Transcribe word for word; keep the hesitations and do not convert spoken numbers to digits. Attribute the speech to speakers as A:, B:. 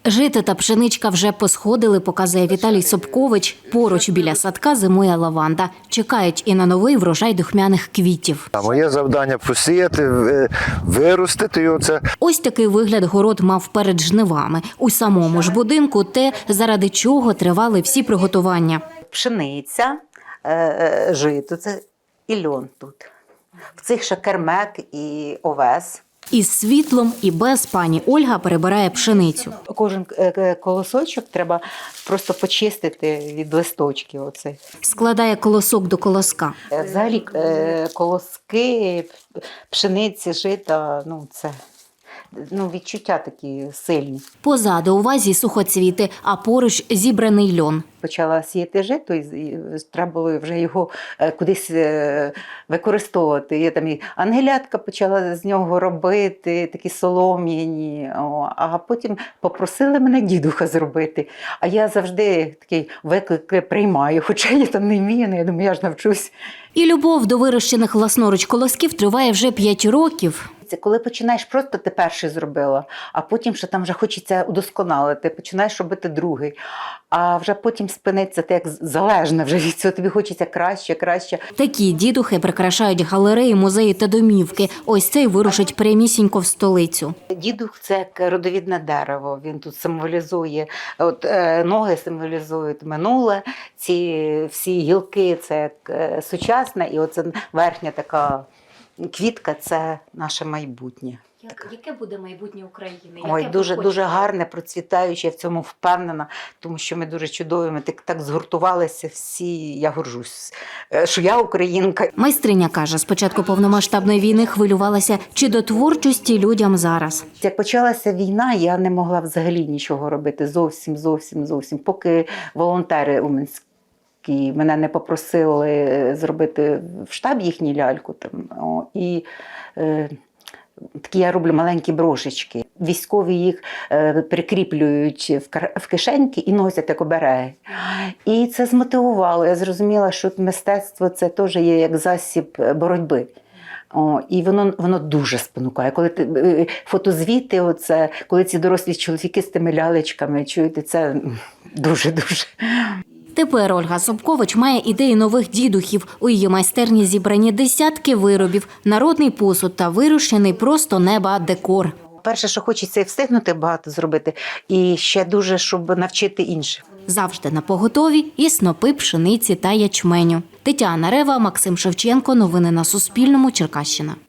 A: Жито та пшеничка вже посходили, показує Віталій Собкович. Поруч біля садка зимує лаванда. Чекають і на новий врожай духмяних квітів.
B: А моє завдання – посіяти, виростити його. Це.
A: Ось такий вигляд город мав перед жнивами. У самому ж будинку те, заради чого тривали всі приготування.
C: Пшениця, жито, це і льон тут. В цих ще кермек і овес.
A: Із світлом і без пані Ольга перебирає пшеницю.
C: Кожен колосочок треба просто почистити від листочків. Оцих.
A: Складає колосок до колоска.
C: Взагалі колоски, пшениці, жита, ну це ну, відчуття такі сильні.
A: Позаду у вазі сухоцвіти, а поруч зібраний льон.
C: Почала сіяти жито, і треба було вже його кудись використовувати. Я там і ангелятка почала з нього робити, такі солом'яні, а потім попросили мене дідуха зробити. А я завжди такий виклик приймаю, хоча я там не вмію, я думаю, я ж навчусь.
A: І любов до вирощених власноруч колосків триває вже п'ять років.
C: Це коли починаєш просто ти перший зробила, а потім ще там вже хочеться удосконалити, починаєш робити другий, а вже потім спиниться, ти як залежна вже від цього, тобі хочеться краще, краще.
A: Такі дідухи прикрашають галереї, музеї та домівки. Ось цей вирушить прямісінько в столицю.
C: Дідух – це як родовідне дерево, він тут символізує, от е, ноги символізують минуле, ці всі гілки – це як е, сучасне, і оце верхня така квітка – це наше майбутнє.
A: Яке буде майбутнє України?
C: Ой, дуже, дуже гарне, процвітаюче, я в цьому впевнена, тому що ми дуже чудові, ми так, так згуртувалися всі, я горжусь, що я українка.
A: Майстриня каже, з початку повномасштабної війни хвилювалася, чи до творчості людям зараз.
C: Як почалася війна, я не могла взагалі нічого робити, зовсім, зовсім, зовсім, поки волонтери у Мінську і мене не попросили зробити в штаб їхню ляльку. Там, о, і е, такі я роблю маленькі брошечки. Військові їх е, прикріплюють в, в кишеньки і носять як обереги. І це змотивувало. Я зрозуміла, що мистецтво – це теж є як засіб боротьби. О, і воно, воно дуже спонукає. Коли ти, фотозвіти, оце, коли ці дорослі чоловіки з тими лялечками, чуєте, це дуже-дуже.
A: Тепер Ольга Собкович має ідеї нових дідухів. У її майстерні зібрані десятки виробів, народний посуд та вирощений просто неба декор.
C: Перше, що хочеться встигнути багато зробити, і ще дуже, щоб навчити інших.
A: Завжди на поготові і снопи пшениці та ячменю. Тетяна Рева, Максим Шевченко. Новини на Суспільному. Черкащина.